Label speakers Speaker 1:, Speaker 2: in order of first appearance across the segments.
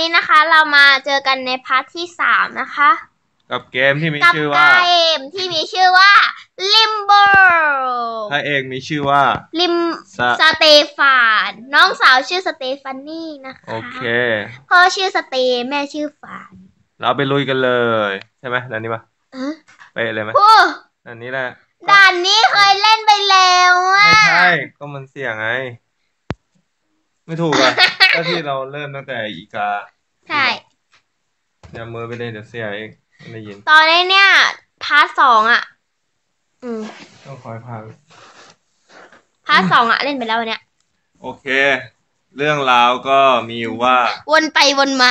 Speaker 1: นี้นะคะเรามาเจอกันในพาร์ทที่3นะคะ
Speaker 2: กับเกมที่มีชื่อว่า
Speaker 1: Limbo
Speaker 2: พระเอกมีชื่อว่า
Speaker 1: สเตฟานน้องสาวชื่อสเตฟานี่นะคะ
Speaker 2: โอเค
Speaker 1: พ่อชื่อสเตแม่ชื่อฟาน
Speaker 2: เราไปลุยกันเลยใช่ไหมด่านนี้ปะไปเลยไหมด่านนี้แหละ
Speaker 1: ด่านนี้เคยเล่นไปแล้ว
Speaker 2: ไม่ใช่ก็มันเสี่ยงไงไม่ถูกอ่ะก็ที่เราเริ่มตั้งแต่อีกา
Speaker 1: ใช่
Speaker 2: อย่ามือไปเลยเดี๋ยวเสียเองไม่ได้ยิน
Speaker 1: ตอนนี้เนี่ยพาร์ท2อ่ะ
Speaker 2: ต้องคอยพา
Speaker 1: พาร์ท2อ่ะเล่นไปแล้วเนี่ย
Speaker 2: โอเคเรื่องราวก็มีอยู่ว่า
Speaker 1: วนไปวนมา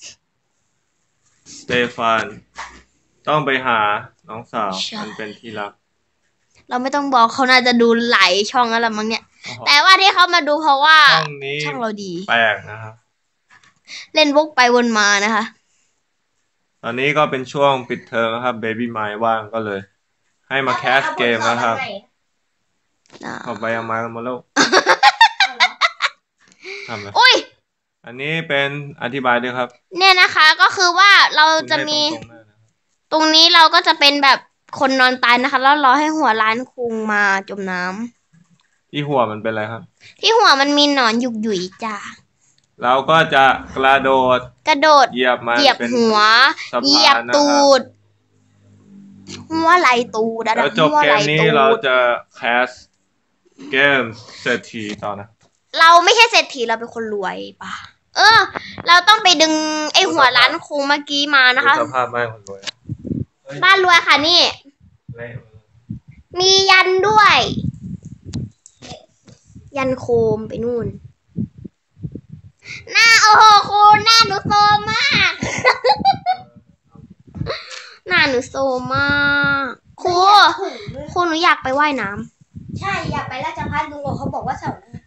Speaker 2: สเตฟานต้องไปหาน้องสาวมันเป็นที่รัก
Speaker 1: เราไม่ต้องบอกเขาน่าจะดูหลายช่องแล้วละมั้งเนี่ยแต่ว่าที่เขามาดูเพราะว่าช่องเราดี
Speaker 2: แปลกนะครับ
Speaker 1: เล่นวกไปวนมานะคะ
Speaker 2: ตอนนี้ก็เป็นช่วงปิดเทอมนะครับเบบี้ไมล์ว่างก็เลยให้มาแคสเกมนะครับขอไปเอาไม้กันมาแล้วทำไมอุ้ยอันนี้เป็นอธิบายด้วยครับ
Speaker 1: เนี่ยนะคะก็คือว่าเราจะมีตรงนี้เราก็จะเป็นแบบคนนอนตายนะคะแล้วรอให้หัวล้านคุงมาจมน้
Speaker 2: ำที่หัวมันเป็นอะไรครับ
Speaker 1: ที่หัวมันมีหนอนหยุยจ้า
Speaker 2: เราก็จะกระโดดเหยียบมัน
Speaker 1: เหยียบหัวเหยียบตูดหัวไหลตูด
Speaker 2: แล้วจบเกมนี้เราจะแคสเกมเศรษฐีต่อนะ
Speaker 1: เราไม่ใช่เศรษฐีเราเป็นคนรวยป่ะเราต้องไปดึงไอหัวล้านคุงเมื่อกี้มานะคะ
Speaker 2: สภาพบ้านคนรวย
Speaker 1: บ้านรวยค่ะนี่มียันด้วยยันโคมไปนู่นหน้าโอ้โหครูหน้าหนูโซมากหน้าหนูโซมากครูหนูอยากไปว่ายน้
Speaker 3: ำใช่อยากไปราชพัฒน์ลุงเขาบอกว่าเสาร์หน้า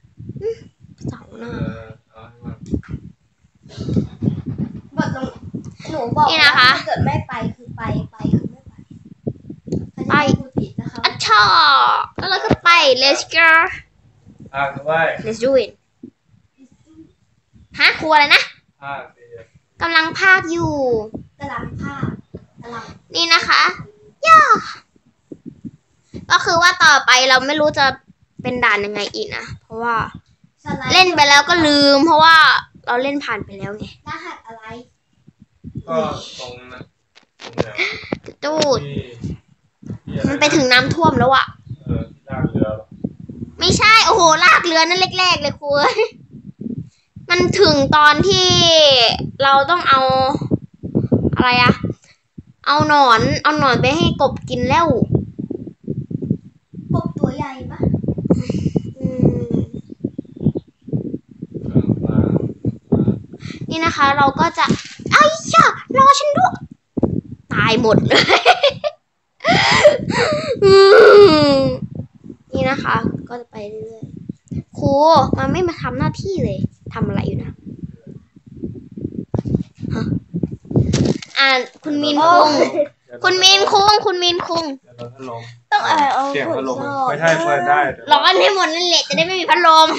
Speaker 3: บทหนูบอกว่าถ้าเกิดไม่ไปคือไปคือไม่ไป
Speaker 1: อัชชาแล้วเราก็ไป let's go let's do it ฮะครูอะไรนะกำลังพากอยู่นี่นะคะย่าก็คือว่าต่อไปเราไม่รู้จะเป็นด่านยังไงอีกนะเพราะว่าเล่นไปแล้วก็ลืมเพราะว่าเราเล่นผ่านไปแล้วไง
Speaker 3: รหัสอะไร
Speaker 2: ก็ตรงนั้น
Speaker 1: ตูดมันไปถึงน้ำท่วมแล้วอะ
Speaker 2: ลากเรือ
Speaker 1: ไม่ใช่โอ้โหลากเรือนั่นแรกๆเลยครูมันถึงตอนที่เราต้องเอาอะไรอะเอาหนอนไปให้กบกินแล้ว
Speaker 3: กบตัวใหญ่ปะ
Speaker 1: นี่นะคะเราก็จะไอ้ย่ารอฉันด้วยตายหมดเลยนี่นะคะก็จะไปเรื่อยๆครูมันไม่มาทำหน้าที่เลยทำอะไรอยู่นะคุณมีนคุง
Speaker 2: ต้องเอาเสียงพัดลมไม่ใช่เปิดได้
Speaker 1: ร้อนให้หมดนั่นแหละจะได้ไม่มีพัดลม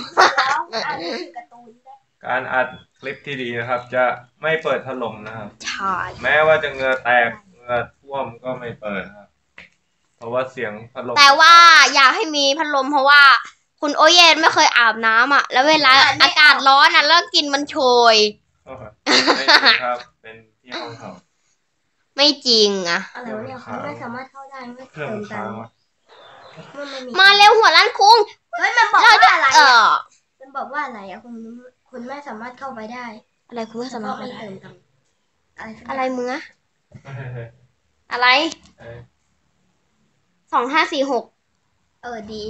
Speaker 2: การอัดคลิปที่ดีนะครับจะไม่เปิดพัดลมนะครับ
Speaker 1: ใช่
Speaker 2: แม้ว่าจะเหงื่อแตกเหงื่อท่วมก็ไม่เปิดครับเพราะว่าเสียงพัดลม
Speaker 1: แต่ว่าอยากให้มีพัดลมเพราะว่าคุณโอเย็นไม่เคยอาบน้ำอ่ะแล้วเวลาอากาศร้อนอ่ะแล้วกลิ่นมันโชย
Speaker 2: ไม่จริงครับเป็นที่ห้องเขา
Speaker 1: ไม่จริงอ่ะ
Speaker 3: อะไรวะเนี่ยเขาไม่สามารถเข้าได้ไม่เติมกัน
Speaker 1: มาเร็วหัวล้านคุ้ง
Speaker 3: เฮ้ยมันบอกว่าอะไรมันบอกว่าอะไรอ่ะคุณไม่สามารถเข้าไปได้
Speaker 1: อะไรคุณไม่สามารถเข้าได้อะไรมึงอะอะไร2546
Speaker 3: ดี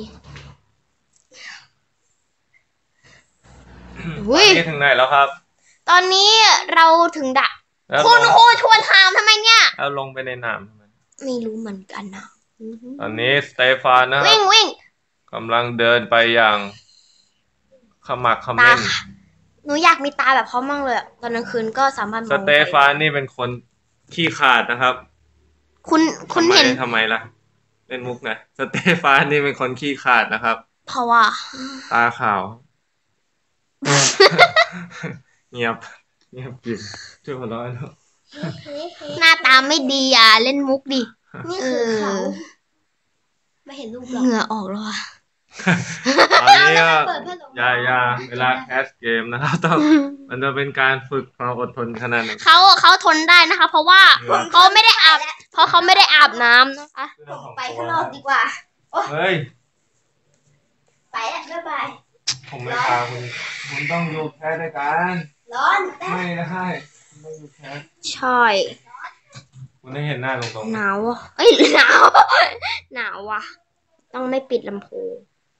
Speaker 2: นี่ถึงไหนแล้วครับ
Speaker 1: ตอนนี้เราถึงดะคุณชวนถามทำไมเนี่ย
Speaker 2: เอาลงไปในน้ำทำไม
Speaker 1: ไม่รู้เหมือนกันนะ
Speaker 2: ตอนนี้สเตฟานนะครับ
Speaker 1: วิ่ง
Speaker 2: กำลังเดินไปอย่างขมักเขม้น
Speaker 1: หนูอยากมีตาแบบเขามั่งเลยตอนกลางคืนก็สามารถมอง
Speaker 2: สเตฟานนี่เป็นคนขี้ขาดนะครับ
Speaker 1: คุณเห็น
Speaker 2: ทำไมล่ะเล่นมุกนะสเตฟานนี่เป็นคนขี้ขาดนะครับ
Speaker 1: เพราะว่า
Speaker 2: ตาขาวเงียบเงียบจริงช่วยหัวเราะหน่อย
Speaker 1: หน้าตาไม่ดีอ่ะเล่นมุกดิ
Speaker 3: นี่คือเขาไม่เห็นรูปหรอก
Speaker 1: เหงื่อออกแล้วอ่ะ
Speaker 2: ตอนนี้ก็อย่าเวลาแคสเกมนะครับต้องมันจะเป็นการฝึกความอดทนขนาดไหน
Speaker 1: เขาทนได้นะคะ เพราะว่าเขาไม่ได้อาบน้ำนะคะ
Speaker 3: ไปข้างนอกดีกว่า
Speaker 2: เฮ้ย
Speaker 3: ไปแล้วบ๊ายบาย
Speaker 2: ผมไม่พาคุณต้องอยู่แคสด้วยกัน
Speaker 3: ร้อนแป๊บ
Speaker 2: ไม่ได้คุณต้องอยู่แคส
Speaker 1: ใช่
Speaker 2: คุณได้เห็นหน้าตรง
Speaker 1: หนาวอ่ะเอ้ยหนาว หนาวว่ะ ต้องไม่ปิดลำโพง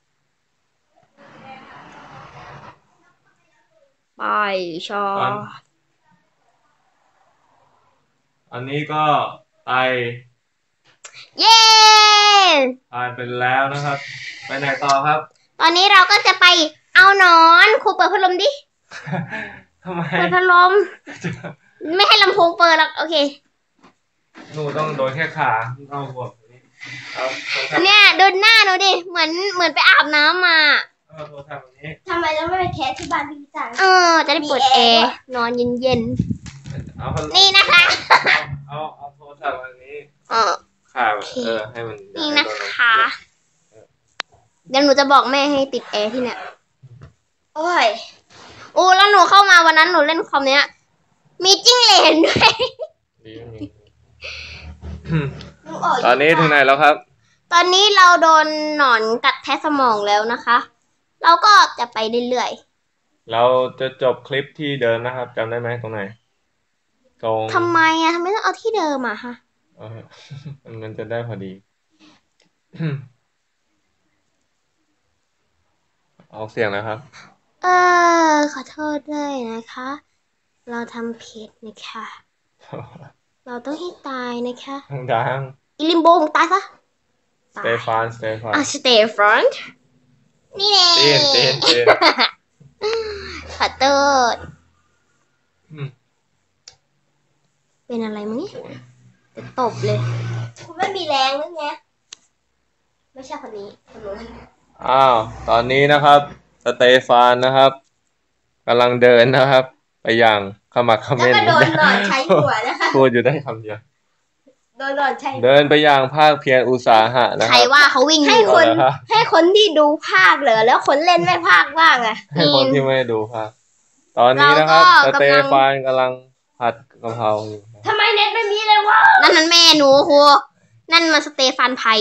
Speaker 1: ไปชอ
Speaker 2: อันนี้ก็ไต
Speaker 1: เย้
Speaker 2: ผ่านไปแล้วนะครับ ไปไหนต่อครับ
Speaker 1: ตอนนี้เราก็จะไปเอาหนอนครูเปิดพัดลมดิ
Speaker 2: ทำไม
Speaker 1: เปิดพัดลม ไม่ให้ลำโพงเปิดหรอกโอเค
Speaker 2: หนูต้องโดนแค่ขาเอาหัวนี้เอาโทรศัพท์
Speaker 1: เนี่ยดูหน้าหนูดิ เหมือนไปอาบน้ำมา
Speaker 2: เอาโทรศัพท์แบบนี้
Speaker 3: ทำไมเราไม่ไปแคสที่บ้านพี่จัง
Speaker 1: จะได้เปิดแอร์นอนเย็น
Speaker 2: เอาพัดลม
Speaker 1: ๆ นี่นะคะ
Speaker 2: เอาโทรศัพท์แบบนี้
Speaker 1: เออ
Speaker 2: ขาให้มัน
Speaker 1: นี่นะคะ เดี๋ยวหนูจะบอกแม่ให้ติดแอร์ที่เนี่ย
Speaker 3: โอ้ย
Speaker 1: โอ้แล้วหนูเข้ามาวันนั้นหนูเล่นคอมเนี้ย มีจิ้งเหลนด้วย
Speaker 2: ดีมี
Speaker 3: หนูออก
Speaker 2: ตอนนี้ถึงไหนแล้วครับ
Speaker 1: ตอนนี้เราโดนหนอนกัดแทะสมองแล้วนะคะ เราก็จะไปเรื่อย
Speaker 2: เราจะจบคลิปที่เดิมนะครับจำได้ไหมตรงไหน ตรง
Speaker 1: ๆทำไมทำไมต้องเอาที่เดิมอะฮะ
Speaker 2: เออ มันจะได้พอดี ออกเสียงนะครับ
Speaker 1: ขอโทษด้วยนะคะ เราทำผิดนะคะ เราต้องให้ตายนะคะ
Speaker 2: ดัง
Speaker 1: อิลิมโบงตายซะ
Speaker 2: สเตฟาน
Speaker 1: stay front นี่แน่
Speaker 2: เต้น
Speaker 1: ขอโทษ
Speaker 2: อืม
Speaker 1: เป็นอะไรมั้งเนี่ยจะตบเลย
Speaker 3: คุณไม่มีแรงหรือไงไม่ใช่คนนี้คนนู้น
Speaker 2: อ้าว ตอนนี้นะครับ สเตฟานนะครับกำลังเดินนะครับ ไปอย่างขมักเข
Speaker 3: แล้ว
Speaker 2: ม้น
Speaker 3: ก็โดนหนอนใช้หัวนะคะ
Speaker 2: พูดอยู่ได้คำเดียว
Speaker 3: โดนหนอนใช้
Speaker 2: เดินไปอย่างภาคเพียรอุตสาหะนะ
Speaker 1: ใค
Speaker 2: ค
Speaker 1: ร
Speaker 2: รับ
Speaker 1: ว่าเขาวิ่งอยู่
Speaker 2: คน
Speaker 3: ให้คนที่ดูภาคเหรอแล้วคนเล่นไม่ภาคบ้างอะ
Speaker 2: ให้คนที่ไม่ดูภาคตอนนี้นะครับ สเตฟานกำลังผัดกะเพราอยู่
Speaker 3: ทำไมเน็ตไม่มีเลยวะ
Speaker 1: นั่นแม่หนูครูนั่นมันสเตฟานไพ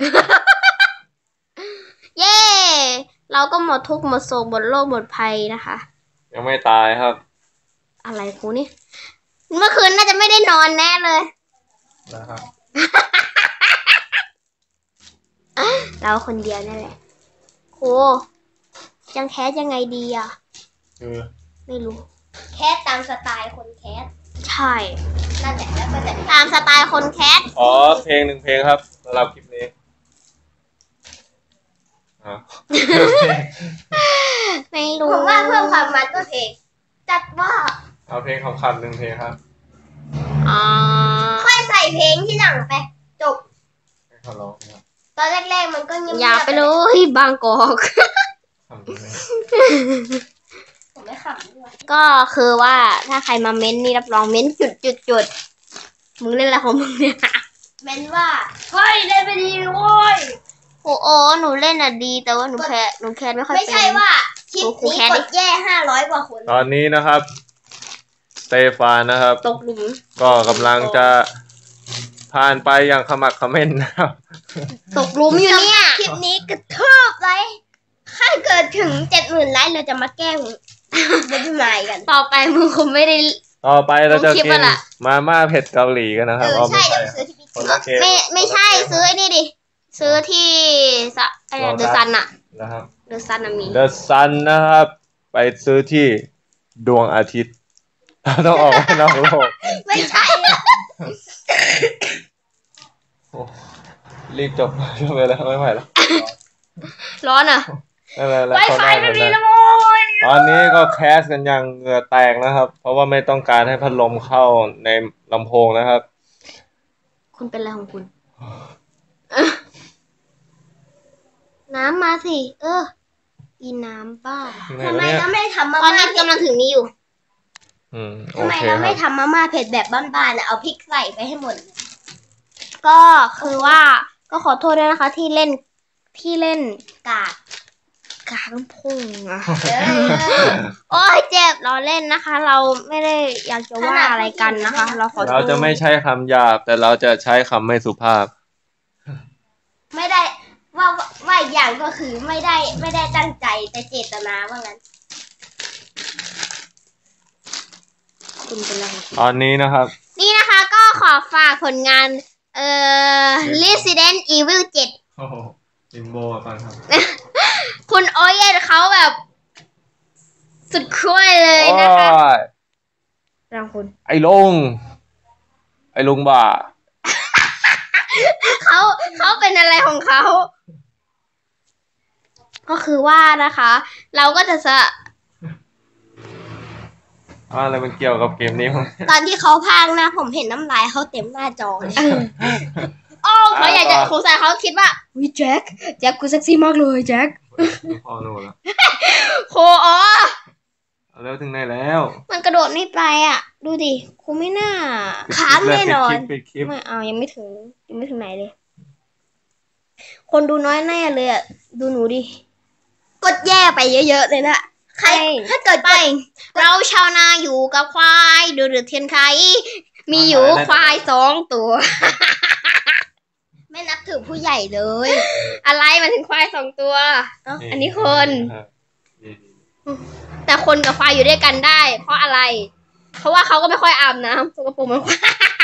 Speaker 1: เย้ เราก็หมดทุกข์หมดโศกหมดโรคหมดภัยนะคะ
Speaker 2: ยังไม่ตายครับ
Speaker 1: อะไรครูนี่ เมื่อคืนน่าจะไม่ได้นอนแน่เลย
Speaker 2: นะครับ
Speaker 1: เราคนเดียวนั่นแหละครูยังแคสยังไงดีอ่ะ
Speaker 2: คือ
Speaker 1: ไม่รู้
Speaker 3: แคสตามสไตล์คนแคส
Speaker 1: ใช่
Speaker 3: นั่นแหละแล้วก็จะ
Speaker 1: ตามสไตล์คนแคส
Speaker 2: ขอเพลงหนึ่งเพลงครับสำหรับคลิปนี้อ้าว
Speaker 1: ไม่รู้
Speaker 3: ผมว่าเพิ่มความมันก็เพลงจัดว่า
Speaker 2: เอาเพลงคำๆหนึ่งเพลงครับ
Speaker 1: อ่า
Speaker 3: ค่อยใส่เพลงที่หลังไปจบ
Speaker 2: ให้เขาร้องครับ
Speaker 3: ตอนแรกๆมันก็เงียบๆ
Speaker 1: อย่าไปเลยบางกอก
Speaker 2: คำนี้
Speaker 3: ผมไม่ขำด้วย
Speaker 1: ก็คือว่าถ้าใครมาเม้นนี่รับรองเม้นจุดมึงเล่นอะไรของมึงเนี่ย
Speaker 3: เม้นว่าเฮ้ยเล่นไปดีโว้ย
Speaker 1: โอ้หนูเล่นอ่ะดี แต่ว่าหนูแคสไม่ค่อยเป็น
Speaker 3: ไม่ใช่ว่าคลิปนี้กดแย่500 กว่าคน
Speaker 2: ตอนนี้นะครับสเตฟานนะครับ
Speaker 1: ตกหลุม
Speaker 2: ก็กำลังจะผ่านไปอย่างขมักเขม้นนะครับ
Speaker 1: ตกหลุมอยู่เนี่ย
Speaker 3: คลิปนี้กระทืบไลค์ถ้าเกิดถึง 70,000 ไลค์เราจะมาแกล้งเดบิวต์ใหม่กัน
Speaker 1: ต่อไปมึงคงไม่ได้
Speaker 2: ต่อไปเราจะ
Speaker 1: ลงคลิป
Speaker 2: กิน
Speaker 1: อะล่ะ
Speaker 2: มาม่าเผ็ดเกาหลีกันนะครับ
Speaker 3: ใช่
Speaker 2: ไม่
Speaker 3: เดี๋ยวซื้อที่พี่
Speaker 2: คนละเกม
Speaker 1: ไม่ใช่ซื้อไอ้นี่ดิ ซื้อที่เดอะซันอะ
Speaker 2: นะครับ
Speaker 1: เดอะซันอะมี
Speaker 2: The Sun นะครับ ไปซื้อที่ดวงอาทิตย์ เราต้องออกไปนอกโลก
Speaker 3: ไม่ใช่อะ
Speaker 2: โอ้รีบจบไปแล้วไม่ไหวแล้ว
Speaker 1: ร้อนอะ
Speaker 2: แล้ว
Speaker 3: ไวไฟไม่มีแล้วโว้ย
Speaker 2: ตอนนี้ก็แคสกันอย่างเหงื่อแตกนะครับ เพราะว่าไม่ต้องการให้พัดลมเข้าในลำโพงนะครับ
Speaker 1: คุณเป็นอะไรของคุณ น้ำมาสิ อีน้ำบ้า
Speaker 2: ไหน
Speaker 3: ทำ
Speaker 2: วะ
Speaker 3: ไม
Speaker 2: เนี่ย
Speaker 3: เราไม่ทำมา
Speaker 1: ตอน
Speaker 3: ม่า
Speaker 1: นี้กำลังถึงนี้อยู่
Speaker 2: โอ
Speaker 3: ทำไม
Speaker 2: เค
Speaker 3: เรา
Speaker 2: ครั
Speaker 3: ไม่
Speaker 2: บ
Speaker 3: ทำมาม่าเผ็ดแบบบ้านๆอะเอาพริกใส่ไปให้หมด
Speaker 1: ก็คือว่าก็ขอโทษด้วยนะคะ ที่เล่น
Speaker 3: กาก
Speaker 1: กลางพุ่งอะ
Speaker 3: เออ
Speaker 1: โอ้ยเจ็บเราเล่นนะคะ เราไม่ได้อยากจะว่าอะไรกันนะคะ เราขอโทษ
Speaker 2: เราจะไม่ใช้คำหยาบแต่เราจะใช้คำไม่สุภาพ
Speaker 3: ไม่ได้ว่าอีกอย่างก็คือไม่ได้ตั้งใจแต่เจตนาว่างั้น
Speaker 1: คุณเป็นอะไร
Speaker 2: ตอนนี้นะครับ
Speaker 1: นี่นะคะก็ขอฝากผลงานResident Evil 7
Speaker 2: โอ้โหลิมโบฟังครับ
Speaker 1: คุณโอเย่เขาแบบสุดขั้วเลยนะคะ
Speaker 2: โอ้ย
Speaker 1: รางคุณ
Speaker 2: ไอ้ลุงบ่า
Speaker 1: เขาเป็นอะไรของเขา ก็คือว่านะคะ เราก็จะ
Speaker 2: อะไรมันเกี่ยวกับเกมนี้มั้ง
Speaker 3: ตอนที่เขาพากย์นะผมเห็นน้ำลายเขาเต็มหน้าจอเลย
Speaker 1: โอ้เขาอยากจะสงสัยเขาคิดว่าวิแจ็คกูเซ็กซี่มากเลยแจ็ค
Speaker 2: พอโน่นแล้ว
Speaker 1: โคอ๋อ
Speaker 2: เอาแล้วถึงไหนแล้ว
Speaker 1: มันกระโดดไม่ไปอ่ะ ดูดิครูไม่น่า
Speaker 3: ค้างแน่นอน
Speaker 2: ปิดคลิป
Speaker 1: ไม่เอายังไม่ถึงไหนเลย คนดูน้อยแน่เลยอ่ะ ดูหนูดิ
Speaker 3: กดแย่ไปเยอะๆเลยนะใครถ้าเกิด
Speaker 1: ไป เราชาวนาอยู่กับควายดูเดือดเทียนไขมีอยู่ควาย2 ตัว
Speaker 3: ไม่นับถือผู้ใหญ่เลย
Speaker 1: อะไรมันถึงควาย2 ตัว อันนี้คน
Speaker 2: นี่
Speaker 1: แต่คนกับควายอยู่ด้วยกันได้ เพราะอะไร เพราะว่าเขาก็ไม่ค่อยอาบน้ำสกปรกเหมันควาย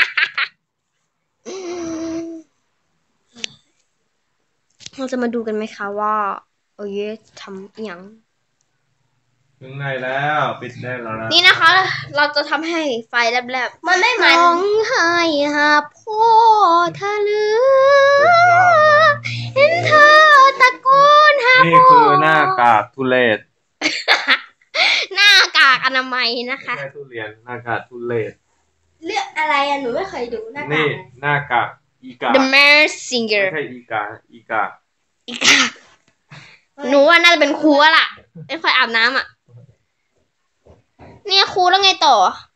Speaker 1: เราจะมาดูกันไหมคะว่าโอ้ยทำอหย่าง
Speaker 2: ถึงไหนแล้วปิดได้แล้วนะ
Speaker 1: นี่นะคะ เราจะทำให้ไฟแลบๆ
Speaker 3: มันไม่มัน
Speaker 1: ร้องไห้หาพ่อเธอเหลือเห็นเธอตะโกนหา
Speaker 2: นี่
Speaker 1: พ่อ
Speaker 2: คือหน้ากากทุเรศ
Speaker 1: หน้ากากอนามัยนะคะ
Speaker 2: ไม่ใช่ทุเรียนหน้ากากทุเรศ
Speaker 3: เรื่องอะไรอะหนูไม่เคยดูหน้าตา
Speaker 2: นี่หน้ากากอีกา
Speaker 1: The
Speaker 2: ไม่
Speaker 1: Messenger
Speaker 2: ใช่อีกา
Speaker 1: อีกาหนูว่าน่าจะเป็นครูอะล่ะ ไม่ค่อยอาบน้ำอ่ะ เนี่ยครูแล้วไงต่อ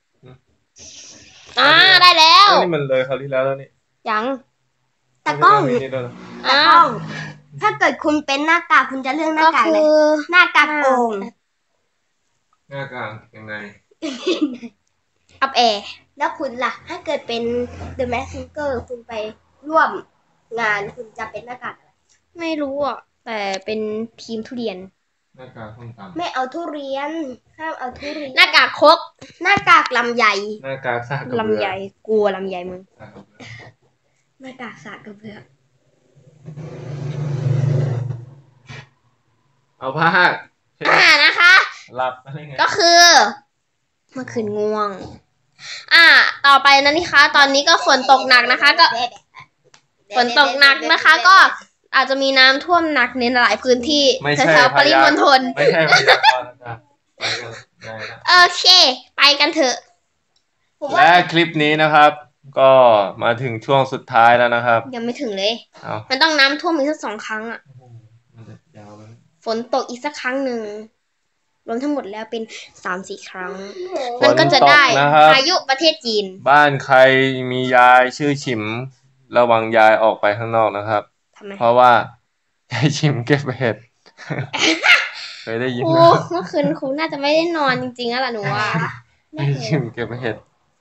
Speaker 1: ได้แล้ว
Speaker 2: นี่มันเลยคราวที่แล้วแล้วนี่
Speaker 1: ยัง
Speaker 3: ตะกล้อง
Speaker 2: มีนี่ด้วยเหรอ
Speaker 3: ตะกล้อง ถ้าเกิดคุณเป็นหน้ากากคุณจะเลือกหน้า
Speaker 1: ก็
Speaker 3: กาก
Speaker 1: คื
Speaker 3: ไหน
Speaker 1: อ
Speaker 3: หน้ากากโอ่ง
Speaker 2: หน้ากากยังไง
Speaker 1: อับแอร์
Speaker 3: แล้วคุณล่ะ ถ้าเกิดเป็น The Messenger คุณไปร่วมงานคุณจะเป็นหน้ากากอะไร
Speaker 1: ไม่รู้อ่ะ แต่เป็นทีมทุเรียน
Speaker 2: หน้ากากส้มตำ
Speaker 3: ไม่เอาทุเรียนห้ามเอาทุเรียน
Speaker 1: หน้ากากครก
Speaker 3: หน้ากากลำไย
Speaker 2: หน้ากากซากกระเบือ
Speaker 1: ลำไยกลัวลำไยมึง
Speaker 2: ซากกระเบือ
Speaker 3: หน้ากากสากกระเบือ
Speaker 2: เอาผ้าเช็ด
Speaker 1: นะคะ
Speaker 2: หลับอะไรไง
Speaker 1: ก็คือเมื่อคืนง่วง ต่อไปนะนี่คะตอนนี้ก็ฝนตกหนักนะคะ ก็ฝนตกหนักนะคะ ก็อาจจะมีน้ำท่วมหนักในหลายพื้นที่
Speaker 2: ไม่ใช่
Speaker 1: แถวๆปริมณฑล
Speaker 2: ไม่ใช่พยากรณ์อากาศไปกันได้นะ
Speaker 1: โอเค ไปกันเถอะ
Speaker 3: ผมว่า
Speaker 2: และคลิปนี้นะครับ ก็มาถึงช่วงสุดท้ายแล้วนะครับ
Speaker 1: ยังไม่ถึงเลย
Speaker 2: เอา
Speaker 1: มันต้องน้ำท่วมอีกสัก2 ครั้งอ่ะ
Speaker 2: มันจะยาวไหม
Speaker 1: ฝนตกอีกสักครั้งหนึ่งรวมทั้งหมดแล้วเป็น3-4 ครั้ง มันก็จะได้
Speaker 2: ฝนตกนะครับ
Speaker 1: พายุประเทศจีน
Speaker 2: บ้านใครมียายชื่อฉิม ระวังยายออกไปข้างนอกนะครับ
Speaker 1: ทำไม
Speaker 2: เพราะว่ายายฉิมเก็บเห็ด เคยได้ยิน
Speaker 1: ครู
Speaker 2: ไหม
Speaker 1: เมื่อคืนครูน่าจะไม่ได้นอนจริงๆแล้วล่ะหนูว่า
Speaker 2: ยายฉิมเก็บเห็ด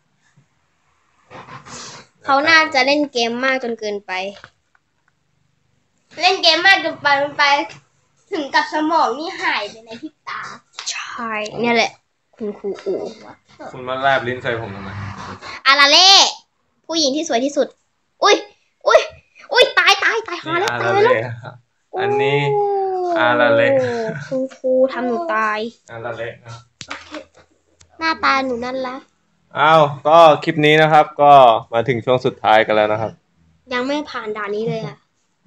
Speaker 1: เขาน่าจะเล่นเกมมากจนเกินไป
Speaker 3: เล่นเกมมากจนไปถึงกับสมองนี่หายไปในพริบตา
Speaker 1: ใช่ เนี่ยแหละ คุณครูอู๋
Speaker 2: คุณมาแลบลิ้นใส่ผมทำไม
Speaker 1: อาราเล่ ผู้หญิงที่สวยที่สุด อุ้ยตายหา
Speaker 2: นี่
Speaker 1: แล้ว
Speaker 2: อา
Speaker 1: ตา
Speaker 2: ราย
Speaker 1: แล้ว
Speaker 2: เล่อันนี้อาราเล่
Speaker 1: คุณครูทำหนูตาย
Speaker 2: อาราเล่นะ
Speaker 1: หน้าตาหนูนั่นละ
Speaker 2: อ้าวก็คลิปนี้นะครับ ก็มาถึงช่วงสุดท้ายกันแล้วนะครับ
Speaker 1: ยังไม่ผ่านด่านนี้เลยอ่ะ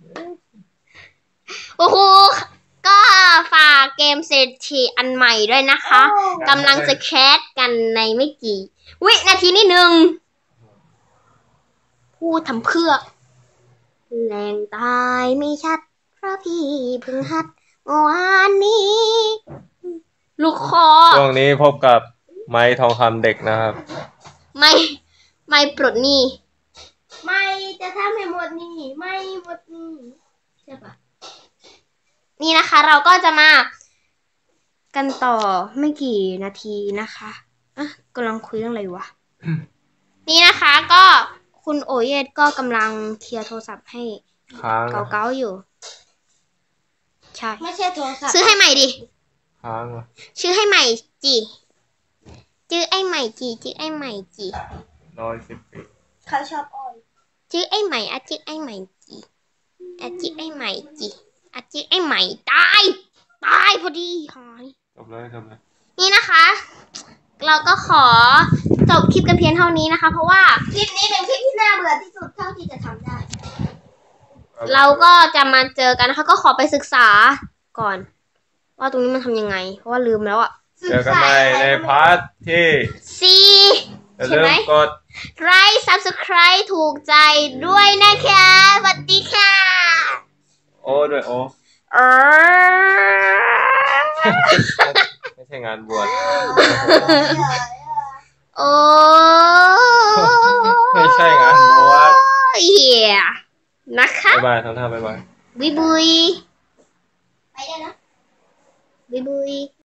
Speaker 1: โอ้โห ก็ฝากเกมเศรษฐีอันใหม่ด้วยนะคะกำลังจะแคสกันในไม่กี่วินาทีนิดนึง พูดทำเพื่อแรงตายไม่ชัด เพราะพี่เพิ่งหัดเมื่อวานนี้ ลูกคอ
Speaker 2: ช่วงนี้พบกับไม้ทองคำเด็กนะครับ
Speaker 1: ไม่ปลดหนี้
Speaker 3: ไม่จะทำให้หมดนี่ไม่หมดนี่ใช่ปะ
Speaker 1: นี่นะคะเราก็จะมากันต่อไม่กี่นาทีนะคะอ่ะกำลังคุยเรื่องอะไรวะ นี่นะคะก็คุณโอเยตก็กำลังเคลียร์โทรศัพท์ให้
Speaker 2: ค้างนะ
Speaker 1: เก่าๆอยู่ ใช่
Speaker 3: ไม่ใช่โทรศัพท์
Speaker 1: ซื้อให้ใหม่ดิ
Speaker 2: ค้างนะ
Speaker 1: ชื่อให้ใหม่จีชื่อไอ้ใหม่จีชื่อไอ้ใหม่จี
Speaker 2: 110 ปี
Speaker 3: เขาชอบอ้อย
Speaker 1: ชื่อไอ้ใหม่อะชื่อไอ้ใหม่จีอะชื่อไอ้ใหม่จีอะชื่อไอ้ใหม่ตายพอดีหาย
Speaker 2: จบเลย
Speaker 1: นี่นะคะ เราก็ขอจบคลิปกันเพียงเท่านี้นะคะ เพราะว่า
Speaker 3: คลิปนี้เป็นคลิปที่น่าเบื่อที่สุดเท่าที่จะทำได้
Speaker 1: เราก็จะมาเจอกันนะคะ ก็ขอไปศึกษาก่อน ว่าตรงนี้มันทำยังไง เพราะว่าลืมแล้วอะ
Speaker 2: เจอกันใหม่ในพาร์ทที่
Speaker 1: อย่า
Speaker 2: อย่า
Speaker 1: ลื
Speaker 2: ลื
Speaker 1: ม
Speaker 2: มกด
Speaker 1: ไลค์ subscribe ถูกใจด้วยนะคะสวัสดีค่ะ
Speaker 2: โอ้ด้วยโอ้
Speaker 1: เออ
Speaker 2: ไม่ใช่งานบวช
Speaker 1: โอ้
Speaker 2: ไม่ใช่งานบวช
Speaker 1: เหี้ยนะคะ
Speaker 2: บ๊ายบายทำท่าบ๊ายบาย
Speaker 1: บุยบุย
Speaker 3: ไปได้นะ
Speaker 1: บุยบุย